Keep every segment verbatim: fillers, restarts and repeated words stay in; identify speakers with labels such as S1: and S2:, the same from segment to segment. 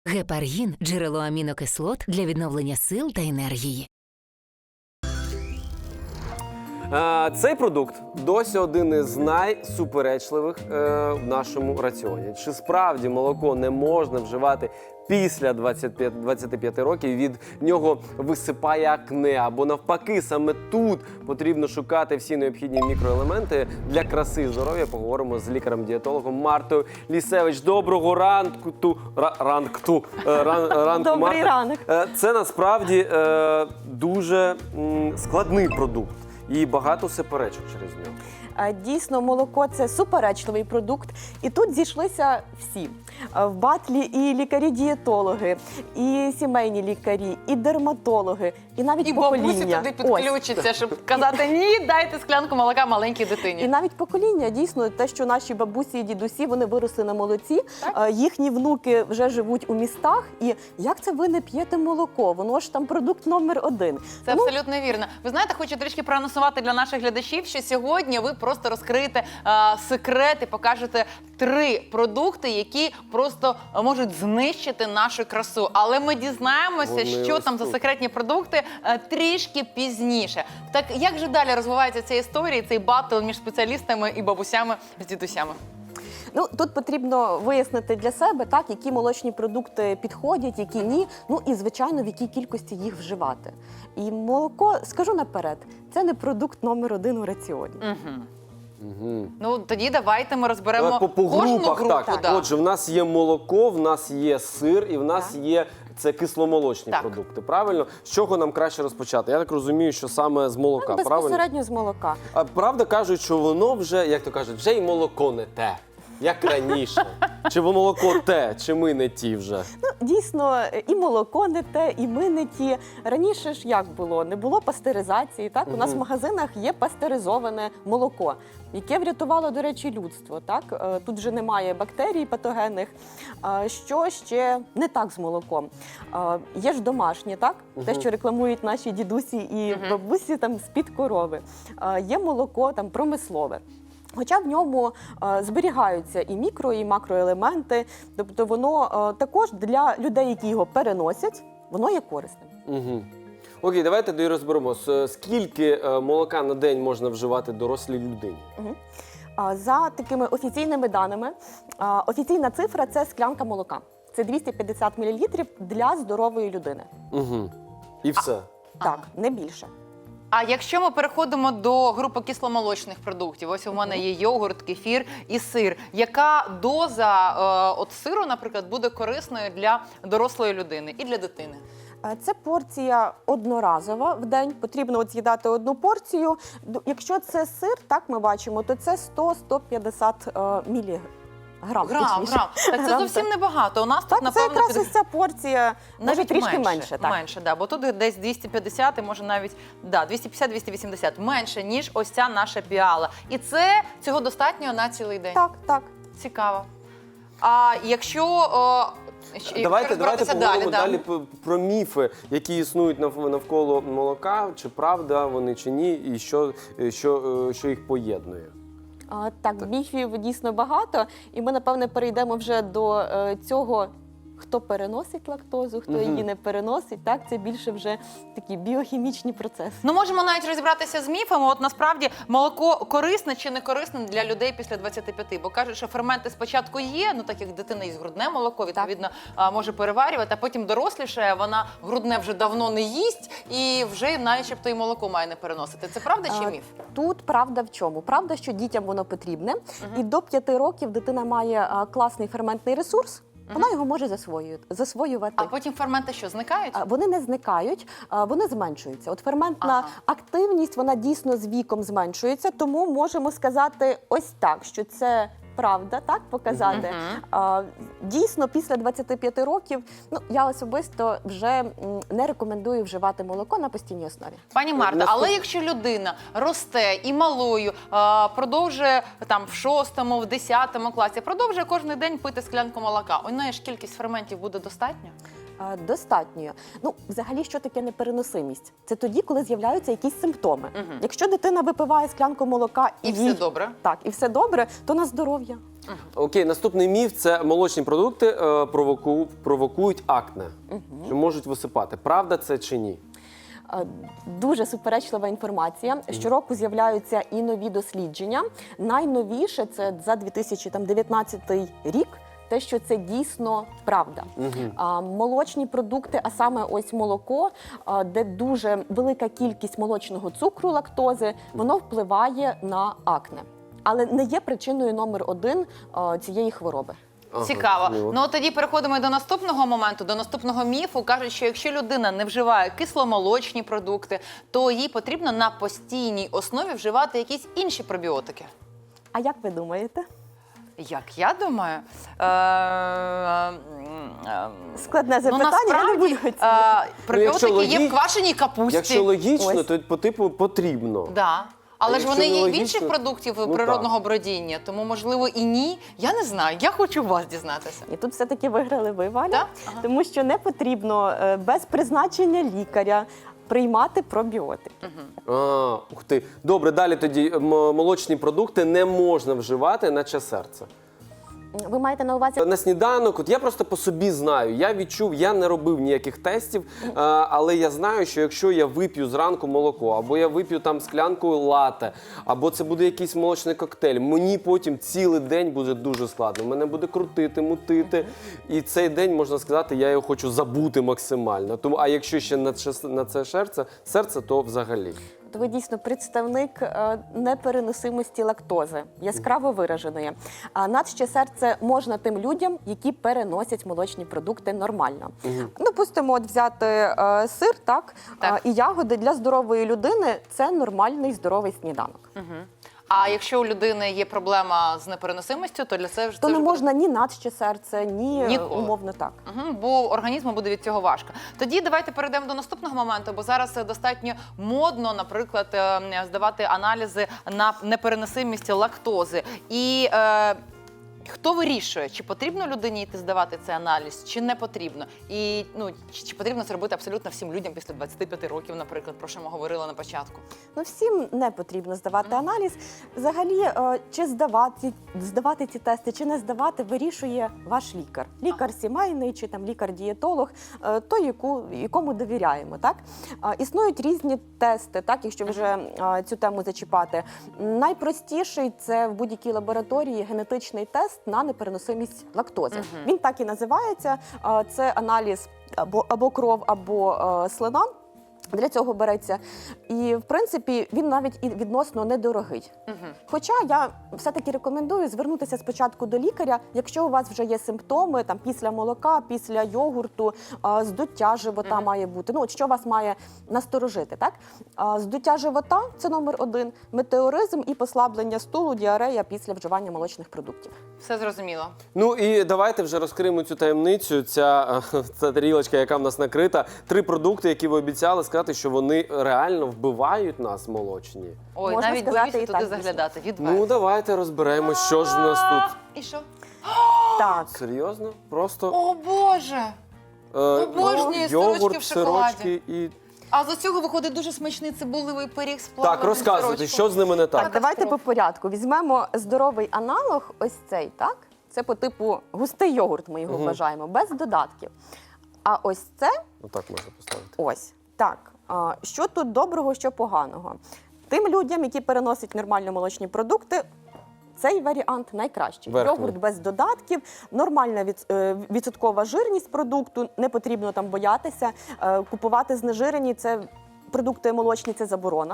S1: Гепаргін – джерело амінокислот для відновлення сил та енергії.
S2: Цей продукт досі один із найсуперечливих е, в нашому раціоні. Чи справді молоко не можна вживати після двадцяти п'яти років, від нього висипає акне, або навпаки, саме тут потрібно шукати всі необхідні мікроелементи для краси і здоров'я. Поговоримо з лікарем-дієтологом Мартою Лісевич. Доброго ранку, ту, ра, ранку, е, ран, ранку,
S3: Добрий
S2: Марта.
S3: ранок.
S2: Е, Це насправді е, дуже м, складний продукт. І багато суперечок через нього.
S3: Дійсно, молоко – це суперечливий продукт. І тут зійшлися всі. В батлі і лікарі-дієтологи, і сімейні лікарі, і дерматологи, і навіть
S4: І
S3: покоління.
S4: бабусі туди підключаться, щоб казати, ні, дайте склянку молока маленькій дитині.
S3: І навіть покоління, дійсно, те, що наші бабусі і дідусі, вони виросли на молоці, так? Їхні внуки вже живуть у містах. І як це ви не п'єте молоко? Воно ж там продукт номер один.
S4: Це
S3: Тому...
S4: абсолютно вірно. Ви знаєте, хочу трішки проанонсувати для наших глядачів, що сьогодні ви просто розкриєте а, секрети, покажете три продукти, які просто можуть знищити нашу красу. Але ми дізнаємося,
S2: Вони
S4: що там за
S2: тут.
S4: секретні продукти а, трішки пізніше. Так як же далі розвивається ця історія, цей батл між спеціалістами і бабусями з дідусями?
S3: Ну, тут потрібно вияснити для себе, так, які молочні продукти підходять, які ні, ну і, звичайно, в якій кількості їх вживати. І молоко, скажу наперед, це не продукт номер один у раціоні.
S4: Угу.
S2: Угу.
S4: Ну, тоді давайте ми розберемо
S2: Давай по, по
S4: кожну
S2: групах,
S4: групу.
S2: так.
S4: Да.
S2: Отже, в нас є молоко, в нас є сир і в нас
S3: Так.
S2: є це кисломолочні
S4: Так.
S2: продукти. Правильно? З чого нам краще розпочати? Я так розумію, що саме з молока,
S3: Так,
S2: правильно?
S3: безпосередньо з молока.
S2: А правда кажуть, що воно вже, як то кажуть, вже й молоко не те, як раніше. Чи воно молоко те, чи ми не ті вже?
S3: Ну, дійсно, і молоко не те, і ми не ті. Раніше ж як було? Не було пастеризації, так? У нас в магазинах є пастеризоване молоко, яке врятувало, до речі, людство, так? Е, Тут вже немає бактерій патогенних. Е, Що ще не так з молоком? Е, Є ж домашнє, так? Те, що рекламують наші дідусі і бабусі там з-під корови. Е, Є молоко там промислове. Хоча в ньому е, зберігаються і мікро, і макроелементи, тобто воно е, також для людей, які його переносять, воно є корисним.
S2: Угу. Окей, давайте тоді розберемо. С- Скільки е, молока на день можна вживати дорослій людині?
S3: Угу. А, за такими офіційними даними, а, офіційна цифра – це склянка молока. Це двісті п'ятдесят мілілітрів для здорової людини.
S2: Угу. І все.
S3: Так, не більше.
S4: А якщо ми переходимо до групи кисломолочних продуктів, ось у мене є йогурт, кефір і сир. Яка доза е, от сиру, наприклад, буде корисною для дорослої людини і для дитини?
S3: Е, Це порція одноразова в день. Потрібно от з'їдати одну порцію. Д- Якщо це сир, так ми бачимо, то це сто - сто п'ятдесят міліграмів. Грам,
S4: Грам,
S3: точніше.
S4: грам. Так це
S3: Грам,
S4: зовсім
S3: так.
S4: небагато. У нас
S3: Так,
S4: тут,
S3: це
S4: напевно,
S3: якраз ось ця порція, може
S4: навіть
S3: трішки менше. так.
S4: менше, да, бо тут десь двісті п'ятдесят, і може навіть да, двісті п'ятдесят - двісті вісімдесят, менше, ніж ось ця наша піала. І це цього достатньо на цілий день.
S3: Так, так.
S4: Цікаво. А якщо о, щ-
S2: Давайте, давайте
S4: розбиратися
S2: поговоримо
S4: да.
S2: далі п- про міфи, які існують нав- навколо молока, чи правда вони, чи ні, і що, що, е, що їх поєднує.
S3: А, так, міфів дійсно багато, і ми, напевне, перейдемо вже до е, цього, хто переносить лактозу, хто
S2: Мгм.
S3: її не переносить. Так, це більше вже такі біохімічні процеси.
S4: Ну, можемо навіть розібратися з міфами. От насправді молоко корисне чи не корисне для людей після двадцяти п'яти, бо кажуть, що ферменти спочатку є, ну так як дитина їсть грудне молоко, відповідно, а, може переварювати, а потім доросліше, вона грудне вже давно не їсть і вже начебто і молоко має не переносити. Це правда чи
S3: А,
S4: міф?
S3: Тут правда в чому? Правда, що дітям воно потрібне, і до п'яти років дитина має а, класний ферментний ресурс, вона його може засвоювати. засвоювати.
S4: А потім ферменти що, зникають?
S3: А, Вони не зникають, а, вони зменшуються. От ферментна
S4: Ага.
S3: активність, вона дійсно з віком зменшується, тому можемо сказати ось так, що це правда, так, показати.
S4: Мгм.
S3: А, Дійсно, після двадцяти п'яти років, ну, я особисто вже м, не рекомендую вживати молоко на постійній основі.
S4: Пані Марта,
S2: Наступ-
S4: але якщо людина росте і малою, а, продовжує там в шостому, в десятому класі, продовжує кожен день пити склянку молока, у неї ж кількість ферментів буде достатньо?
S3: А, Достатньо. Ну, взагалі, що таке непереносимість? Це тоді, коли з'являються якісь симптоми.
S4: Мгм.
S3: Якщо дитина випиває склянку молока і,
S4: І все
S3: їй-
S4: добре?
S3: Так, і все добре, то на здоров'я.
S2: Окей, наступний міф – це молочні продукти е, провоку, провокують акне, що можуть висипати. Правда це чи ні?
S3: Е, Дуже суперечлива інформація. Щороку з'являються і нові дослідження. Найновіше це за дві тисячі дев'ятнадцятий рік. Те, що це дійсно правда. А, молочні продукти, а саме ось молоко, а, де дуже велика кількість молочного цукру, лактози, воно впливає на акне. Але не є причиною номер один а, цієї хвороби.
S2: Ага,
S4: Цікаво.
S2: зрозуміло.
S4: Ну тоді переходимо до наступного моменту, до наступного міфу. Кажуть, що якщо людина не вживає кисломолочні продукти, то їй потрібно на постійній основі вживати якісь інші пробіотики.
S3: А як ви думаєте?
S4: Як я думаю, е, е, е,
S3: Складне
S4: ну,
S3: запитання, я не
S4: насправді
S3: буду
S4: е,
S3: оцінювати.
S4: пробіотики
S2: Ну,
S4: є
S2: якщо
S4: в квашеній капусті.
S2: Якщо логічно,
S3: Ось.
S2: то по типу потрібно.
S4: Да. Але
S2: А
S4: ж
S2: якщо
S4: вони
S2: не
S4: є в
S2: логічно,
S4: інших продуктів
S2: ну,
S4: природного бродіння, тому можливо і ні. Я не знаю. Я хочу у вас дізнатися.
S3: І тут все-таки виграли ви, Валя,
S4: Так? Ага.
S3: тому що не потрібно е, без призначення лікаря приймати пробіотики.
S2: А, ух ти. Добре, далі тоді м- молочні продукти не можна вживати, наче серце.
S3: Ви маєте на увазі
S2: На сніданок, от я просто по собі знаю, я відчув, я не робив ніяких тестів, а, але я знаю, що якщо я вип'ю зранку молоко, або я вип'ю там склянку лате, або це буде якийсь молочний коктейль, мені потім цілий день буде дуже складно. Мене буде крутити, мутити, і цей день, можна сказати, я його хочу забути максимально. Тому, а якщо ще на це, на це серце, серце, то взагалі.
S3: то ви дійсно представник е, непереносимості лактози, яскраво вираженої. А надще серце можна тим людям, які переносять молочні продукти нормально. Допустимо, от взяти е, сир, так,
S4: Так.
S3: е, і ягоди для здорової людини – це нормальний здоровий сніданок.
S4: А якщо у людини є проблема з непереносимістю, то для це вже
S3: То
S4: це
S3: не
S4: вже
S3: можна ні надще серце, ні е,
S4: Ніколи.
S3: умовно так.
S4: Угу, бо організму буде від цього важко. Тоді давайте перейдемо до наступного моменту, бо зараз е, достатньо модно, наприклад, е, здавати аналізи на непереносимість лактози. І е, хто вирішує, чи потрібно людині йти здавати цей аналіз, чи не потрібно? І ну, чи, чи потрібно це робити абсолютно всім людям після двадцяти п'яти років, наприклад, про що ми говорили на початку?
S3: Ну, всім не потрібно здавати аналіз. Взагалі, е, чи здавати, здавати ці тести, чи не здавати, вирішує ваш лікар. Лікар сімейний, чи там лікар-дієтолог, е, той, яку, якому довіряємо. Так? Е, Існують різні тести, так, якщо вже е, цю тему зачіпати. Найпростіший – це в будь-якій лабораторії генетичний тест на непереносимість лактози. Він так і називається. Е, Це аналіз або, або кров, або е, слина. Для цього береться. І, в принципі, він навіть і відносно недорогий. Хоча я все-таки рекомендую звернутися спочатку до лікаря, якщо у вас вже є симптоми там, після молока, після йогурту, а, здуття живота має бути. Ну, от що вас має насторожити, так? А, здуття живота – це номер один, метеоризм і послаблення стулу, діарея після вживання молочних продуктів.
S4: Все зрозуміло.
S2: Ну і давайте вже розкриємо цю таємницю. Ця, ця тарілочка, яка в нас накрита. Три продукти, які ви обіцяли сказати, що вони реально вбивають нас молочні.
S4: Ой,
S3: Можна
S4: навіть
S3: сказати,
S4: боюся
S3: і
S4: туди
S3: так,
S4: заглядати. Відверто.
S2: Ну давайте розберемо, що ж в нас тут.
S4: І що?
S3: Так.
S2: Серйозно? Просто
S4: О, Боже!
S2: е,
S4: обожнюю
S2: йогурт,
S4: сирочки в шоколаді.
S2: сирочки і...
S4: А з цього виходить дуже смачний цибулевий пиріг з плавленим
S2: Так, розказуйте,
S4: сирочком.
S2: що з ними не так?
S3: Так, давайте по порядку. Візьмемо здоровий аналог, ось цей, так? Це по типу густий йогурт, ми його вважаємо, без додатків. А ось це,
S2: Отак можна поставити.
S3: ось, так. А, Що тут доброго, що поганого? Тим людям, які переносять нормально молочні продукти, цей варіант найкращий.
S2: Верхній.
S3: Йогурт без додатків, нормальна від, е, відсоткова жирність продукту, не потрібно там боятися. Е, Купувати знежирені, це продукти молочні, це заборона.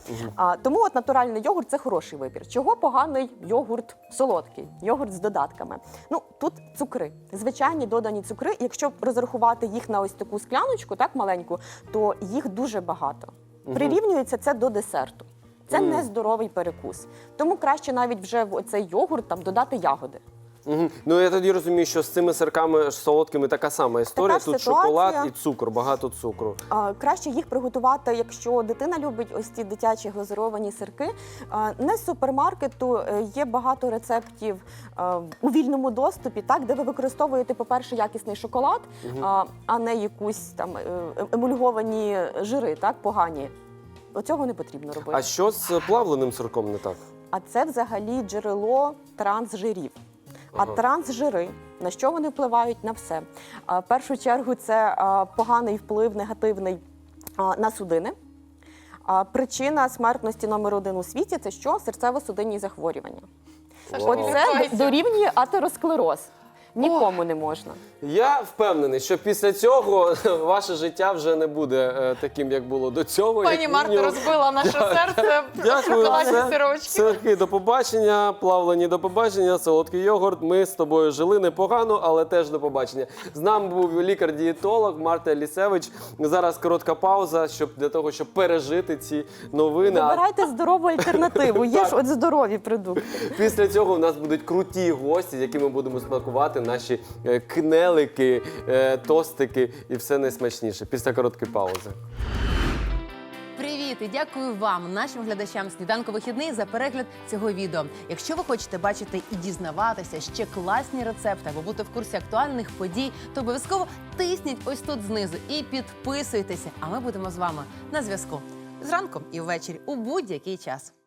S3: А, тому от натуральний йогурт – це хороший вибір. Чого поганий йогурт солодкий, йогурт з додатками? Ну, тут цукри, звичайні додані цукри. І якщо розрахувати їх на ось таку скляночку, так маленьку, то їх дуже багато. Прирівнюється це до десерту. Це
S2: Мгм.
S3: нездоровий перекус. Тому краще навіть вже в цей йогурт там додати ягоди.
S2: Угу. Ну я тоді розумію, що з цими сирками солодкими така сама історія.
S3: Така
S2: Тут
S3: ж ситуація.
S2: шоколад і цукор, багато цукру.
S3: А, Краще їх приготувати, якщо дитина любить ось ці дитячі глазуровані сирки. А, Не з супермаркету, е, є багато рецептів е, у вільному доступі, так, де ви використовуєте, по-перше, якісний шоколад, а, а не якусь там е, емульговані жири, так, погані. Оцього не потрібно робити.
S2: А що з плавленим сирком не так?
S3: А це взагалі джерело трансжирів. А трансжири, на що вони впливають? На все. А, В першу чергу це а, поганий вплив, негативний а, на судини. А, Причина смертності номер один у світі – це що? Серцево-судинні захворювання.
S4: Саша,
S2: Вау.
S4: не
S3: Оце
S4: лякайся.
S3: дорівнює атеросклероз. Нікому не можна.
S2: Я впевнений, що після цього ваше життя вже не буде е, таким, як було до цього.
S4: Пані
S2: як
S4: Марта
S2: мінімум.
S4: розбила наше серце.
S2: Дякую.
S4: Шоколадні
S2: Все,
S4: сирочки.
S2: сирки, до побачення. Плавлені, до побачення. Солодкий йогурт. Ми з тобою жили непогано, але теж до побачення. З нами був лікар-дієтолог Марта Лісевич. Зараз коротка пауза, щоб для того, щоб пережити ці новини. А
S3: Вибирайте здорову альтернативу. Є ж от здорові продукти.
S2: після цього у нас будуть круті гості, з якими будемо смакувати наші е, кнелики, е, тостики і все найсмачніше. Після короткої паузи.
S5: Привіт і дякую вам, нашим глядачам «Сніданку вихідний» за перегляд цього відео. Якщо ви хочете бачити і дізнаватися ще класні рецепти або бути в курсі актуальних подій, то обов'язково тисніть ось тут знизу і підписуйтеся. А ми будемо з вами на зв'язку зранку і ввечері у будь-який час.